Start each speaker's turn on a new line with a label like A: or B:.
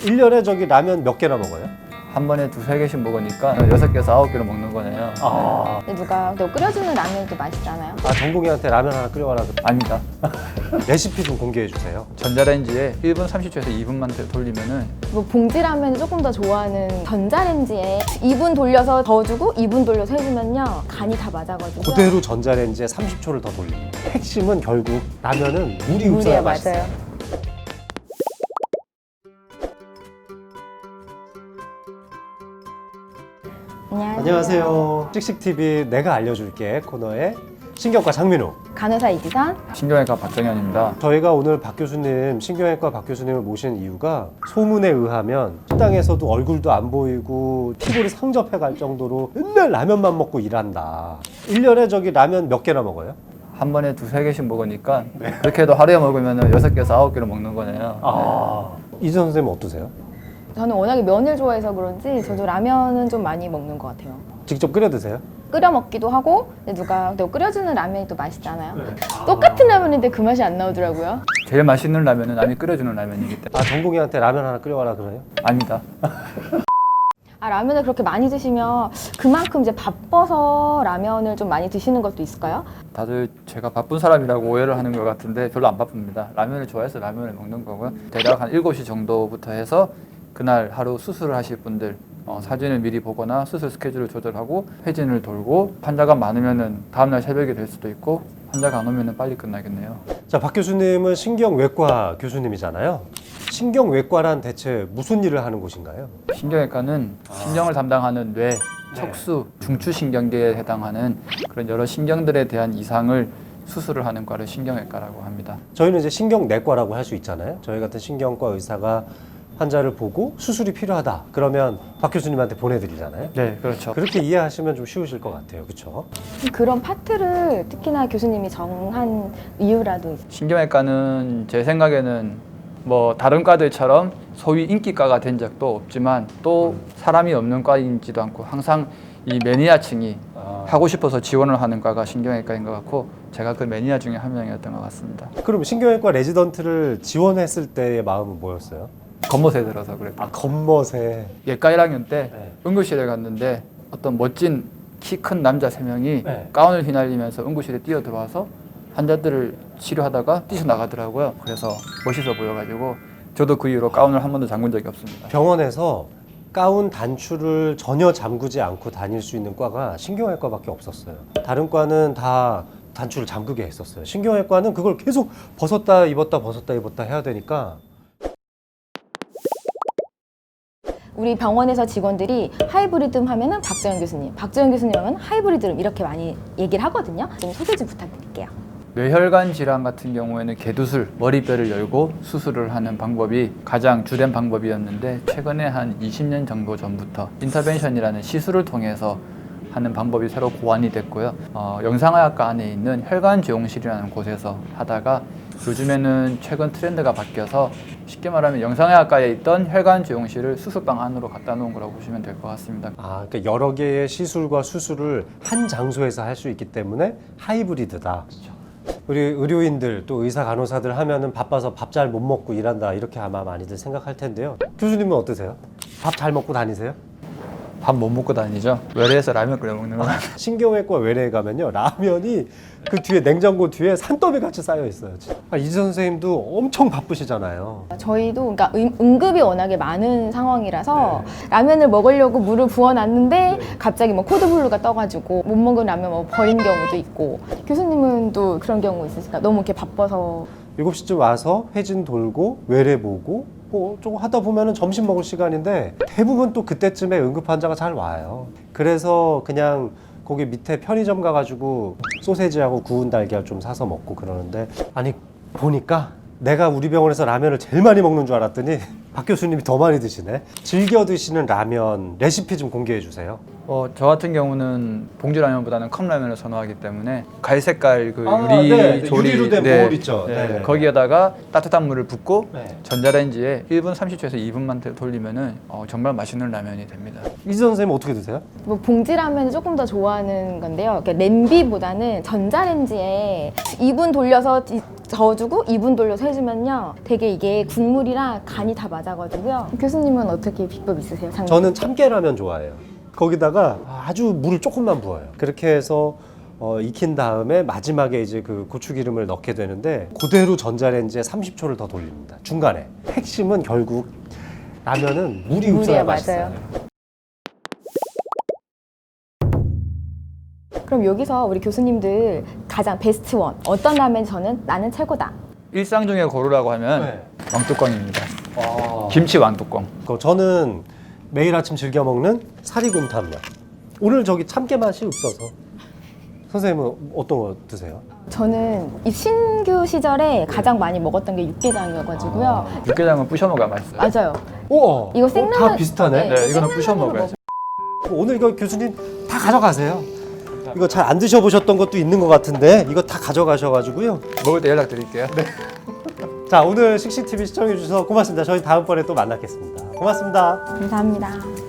A: 1년에 저기 라면 몇 개나 먹어요?
B: 한 번에 두세 개씩 먹으니까 6개에서 9개를 먹는 거네요.
A: 아,
C: 누가 또 끓여주는 라면도 맛있잖아요.
A: 정국이한테 라면 하나 끓여와라.
B: 아닙니다.
A: 레시피 좀 공개해 주세요.
B: 전자레인지에 1분 30초에서 2분만 돌리면은
C: 뭐 봉지 라면을 조금 더 좋아하는 전자레인지에 2분 돌려서 저어주고 2분 돌려서 해주면요 간이 다 맞아가지고
A: 그대로 전자레인지에 30초를 더 돌리고. 핵심은 결국 라면은 물이 없어야
C: 물이야
A: 맛있어요.
C: 맞아요.
A: 안녕하세요. 씩씩TV 내가 알려줄게 코너의 신경과 장민호.
C: 간호사 이지선.
B: 신경외과 박정현입니다.
A: 저희가 오늘 박 교수님, 신경외과 박 교수님을 모신 이유가 소문에 의하면 식당에서도 얼굴도 안 보이고 피골이 상접해 갈 정도로 맨날 라면만 먹고 일한다. 1년에 저기 라면 몇 개나 먹어요?
B: 한 번에 두세 개씩 먹으니까 그렇게 해도 하루에 먹으면 6개에서 9개를 먹는 거네요.
A: 이전 선생님 어떠세요?
C: 저는 워낙에 면을 좋아해서 그런지 저도 라면은 좀 많이 먹는 것 같아요.
A: 직접 끓여 드세요?
C: 끓여 먹기도 하고 근데 누가 또 끓여주는 라면이 또 맛있잖아요. 똑같은 라면인데 그 맛이 안 나오더라고요.
B: 제일 맛있는 라면은 남이 끓여주는 라면이기 때문에.
A: 정국이한테 라면 하나 끓여와라 그래요?
B: 아닙니다.
C: 라면을 그렇게 많이 드시면 그만큼 이제 바빠서 라면을 좀 많이 드시는 것도 있을까요?
B: 다들 제가 바쁜 사람이라고 오해를 하는 것 같은데 별로 안 바쁩니다. 라면을 좋아해서 라면을 먹는 거고요. 대략 한 7시 정도부터 해서 그날 하루 수술을 하실 분들 사진을 미리 보거나 수술 스케줄을 조절하고 회진을 돌고 환자가 많으면은 다음날 새벽이 될 수도 있고 환자가 안 오면은 빨리 끝나겠네요.
A: 자, 박 교수님은 신경외과 교수님이잖아요. 신경외과란 대체 무슨 일을 하는 곳인가요?
B: 신경외과는 신경을 담당하는 뇌, 척수, 중추신경계에 해당하는 그런 여러 신경들에 대한 이상을 수술을 하는 과를 신경외과라고 합니다.
A: 저희는 이제 신경내과라고 할 수 있잖아요. 저희 같은 신경과 의사가 환자를 보고 수술이 필요하다. 그러면 박 교수님한테 보내드리잖아요.
B: 네, 그렇죠.
A: 그렇게 이해하시면 좀 쉬우실 것 같아요. 그렇죠?
C: 그런 파트를 특히나 교수님이 정한 이유라도 있어요.
B: 신경외과는 제 생각에는 뭐 다른 과들처럼 소위 인기과가 된 적도 없지만 또 사람이 없는 과인지도 않고 항상 이 매니아층이 하고 싶어서 지원을 하는 과가 신경외과인 것 같고 제가 그 매니아 중에 한 명이었던 것 같습니다.
A: 그럼 신경외과 레지던트를 지원했을 때의 마음은 뭐였어요?
B: 겉멋에 들어서 그랬고
A: 겉멋에.
B: 예과 1학년 때
A: 네.
B: 응급실에 갔는데 어떤 멋진 키 큰 남자 3명이
A: 네.
B: 가운을 휘날리면서 응급실에 뛰어들어와서 환자들을 치료하다가 뛰쳐나가더라고요. 그래서 멋있어 보여가지고 저도 그 이후로 가운을 한 번도 잠근 적이 없습니다.
A: 병원에서 가운 단추를 전혀 잠그지 않고 다닐 수 있는 과가 신경외과밖에 없었어요. 다른 과는 다 단추를 잠그게 했었어요. 신경외과는 그걸 계속 벗었다 입었다 해야 되니까.
C: 우리 병원에서 직원들이 하이브리듬 하면은 박정현 교수님, 박정현 교수님 하면 하이브리듬 이렇게 많이 얘기를 하거든요. 좀 소개 좀 부탁드릴게요.
B: 뇌혈관 질환 같은 경우에는 개두술, 머리뼈를 열고 수술을 하는 방법이 가장 주된 방법이었는데 최근에 한 20년 정도 전부터 인터벤션이라는 시술을 통해서 하는 방법이 새로 고안이 됐고요. 영상의학과 안에 있는 혈관지용실이라는 곳에서 하다가 요즘에는 최근 트렌드가 바뀌어서 쉽게 말하면 영상의학과에 있던 혈관지용실을 수술방 안으로 갖다 놓은 거라고 보시면 될 것 같습니다.
A: 그러니까 여러 개의 시술과 수술을 한 장소에서 할 수 있기 때문에 하이브리드다. 우리 의료인들 또 의사 간호사들 하면은 바빠서 밥 잘 못 먹고 일한다 이렇게 아마 많이들 생각할 텐데요. 교수님은 어떠세요? 밥 잘 먹고 다니세요?
B: 밥 못 먹고 다니죠. 외래에서 라면 끓여 먹는 거.
A: 신경외과 외래에 가면요 라면이 그 뒤에 냉장고 뒤에 산더미 같이 쌓여 있어요. 이지 선생님도 엄청 바쁘시잖아요.
C: 저희도 그러니까 응급이 워낙에 많은 상황이라서 라면을 먹으려고 물을 부어놨는데 갑자기 뭐 코드블루가 떠가지고 못 먹은 라면 뭐 버린 경우도 있고 교수님은 또 그런 경우 있으실까? 너무 이렇게 바빠서
A: 7시쯤 와서 회진 돌고 외래 보고 뭐 조금 하다 보면은 점심 먹을 시간인데 대부분 또 그때쯤에 응급 환자가 잘 와요. 그래서 그냥 거기 밑에 편의점 가가지고 소세지하고 구운 달걀 좀 사서 먹고 그러는데 아니 보니까 내가 우리 병원에서 라면을 제일 많이 먹는 줄 알았더니 박 교수님이 더 많이 드시네. 즐겨 드시는 라면 레시피 좀 공개해 주세요.
B: 저 같은 경우는 봉지라면보다는 컵라면을 선호하기 때문에 갈색깔 그 유리
A: 네,
B: 조리
A: 유리로 된 보울 있죠.
B: 네,
A: 네.
B: 거기에다가 따뜻한 물을 붓고
A: 네.
B: 전자레인지에 1분 30초에서 2분만 돌리면은 정말 맛있는 라면이 됩니다.
A: 이지 선생님 어떻게 드세요?
C: 뭐 봉지 라면을 조금 더 좋아하는 건데요. 그러니까 냄비보다는 전자레인지에 2분 돌려서 저어주고 2분 돌려서 해주면요 되게 이게 국물이랑 간이 다 맞아가지고요. 교수님은 어떻게 비법 있으세요?
A: 저는 참깨라면 좋아해요. 거기다가 아주 물을 조금만 부어요. 그렇게 해서 익힌 다음에 마지막에 이제 그 고추기름을 넣게 되는데 그대로 전자레인지에 30초를 더 돌립니다. 중간에. 핵심은 결국 라면은 물이 없어야
C: 물이야,
A: 맛있어요.
C: 맞아요. 그럼 여기서 우리 교수님들 가장 베스트 원 어떤 라면 저는 나는 최고다.
B: 일상 중에 고르라고 하면
A: 네.
B: 왕뚜껑입니다.
A: 아.
B: 김치 왕뚜껑.
A: 저는 매일 아침 즐겨 먹는 사리곰탕면. 오늘 저기 참깨 맛이 없어서. 선생님은 어떤 거 드세요?
C: 저는 이 신규 시절에 가장 많이 먹었던 게 육개장이어가지고요.
B: 육개장은 부셔 먹어야 맛있어요.
C: 맞아요.
A: 우와.
C: 이거 생라면
A: 다 비슷하네.
B: 네, 이거는 부셔 먹어야죠.
A: 오늘 이거 교수님 다 가져가세요. 이거 잘 안 드셔보셨던 것도 있는 것 같은데 이거 다 가져가셔가지고요.
B: 먹을 때 연락드릴게요. 네.
A: 자, 오늘 씩씩TV 시청해주셔서 고맙습니다. 저희 다음번에 또 만나겠습니다. 고맙습니다.
C: 감사합니다.